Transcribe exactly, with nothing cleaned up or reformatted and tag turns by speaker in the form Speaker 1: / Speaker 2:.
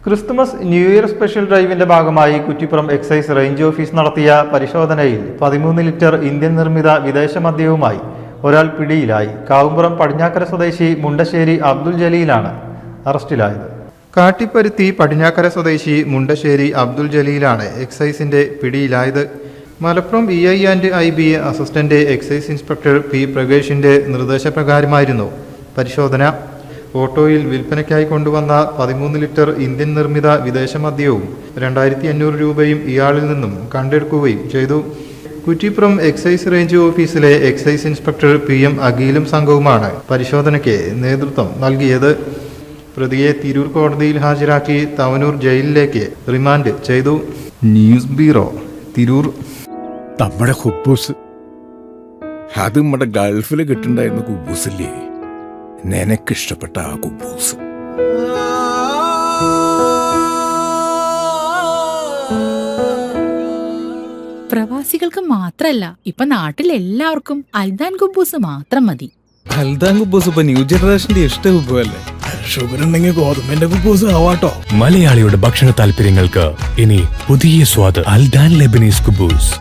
Speaker 1: Christmas new year special ഡ്രൈവിന്റെ ഭാഗമായി Kuttippuram excise range office നടത്തിയ പരിശോധനയിൽ പതിമൂന്ന് ലിറ്റർ ഇന്ത്യൻ നിർമ്മിത വിദേശ മദ്യവുമായി ഒരാൾ പിടിയിലായി. കാവുംപുറം പടിഞ്ഞാക്കര സ്വദേശി മുണ്ടശ്ശേരി അബ്ദുൽ ജലീലാണ് അറസ്റ്റിലായത്. കാട്ടിപ്പരുത്തി പടിഞ്ഞാക്കര സ്വദേശി മുണ്ടശ്ശേരി അബ്ദുൽ ജലീലാണ് എക്സൈസിന്റെ പിടിയിലായത്. Malappuram E I and I B A assistant excise inspector P പ്രകേഷിന്റെ നിർദ്ദേശപ്രകാരമായിരുന്നു പരിശോധന. ഓട്ടോയിൽ വിൽപ്പനയ്ക്കായി കൊണ്ടുവന്ന പതിമൂന്ന് ലിറ്റർ ഇന്ത്യൻ നിർമ്മിത വിദേശ മദ്യവും രണ്ടായിരത്തി അഞ്ഞൂറ് രൂപയും ഇയാളിൽ നിന്നും കണ്ടെടുക്കുകയും ചെയ്തു. കുറ്റിപ്പുറം എക്സൈസ് റേഞ്ച് ഓഫീസിലെ എക്സൈസ് ഇൻസ്പെക്ടർ പി എം അഖിലും സംഘവുമാണ് പരിശോധനയ്ക്ക് നേതൃത്വം നൽകിയത്. പ്രതിയെ തിരൂർ കോടതിയിൽ ഹാജരാക്കി തവനൂർ ജയിലിലേക്ക് റിമാൻഡ് ചെയ്തു. News bureau, Tirur.
Speaker 2: നമ്മുടെ കുബൂസ് അത് നമ്മുടെ ഗൾഫിൽ കിട്ടുണ്ടായിരുന്ന കുബൂസില്ലേ, നിനക്കിഷ്ടപ്പെട്ട ആ കുബൂസ്.
Speaker 3: പ്രവാസികൾക്ക് മാത്രല്ല, ഇപ്പൊ നാട്ടിൽ എല്ലാവർക്കും അൽദാൻ കുബൂസ് മാത്രം മതി.
Speaker 4: അൽദാൻ കുബൂസ് ഇപ്പൊ ന്യൂ ജനറേഷന്റെ ഇഷ്ട കുബുവല്ലേ.
Speaker 2: ഷുഗർ ഉണ്ടെങ്കിൽ ഗോതമ്പിന്റെ കുബൂസ് ആവാട്ടോ.
Speaker 5: മലയാളിയുടെ ഭക്ഷണ താല്പര്യങ്ങൾക്ക് ഇനി പുതിയ സ്വാദ് അൽദാൻ ലെബനീസ് കുബൂസ്.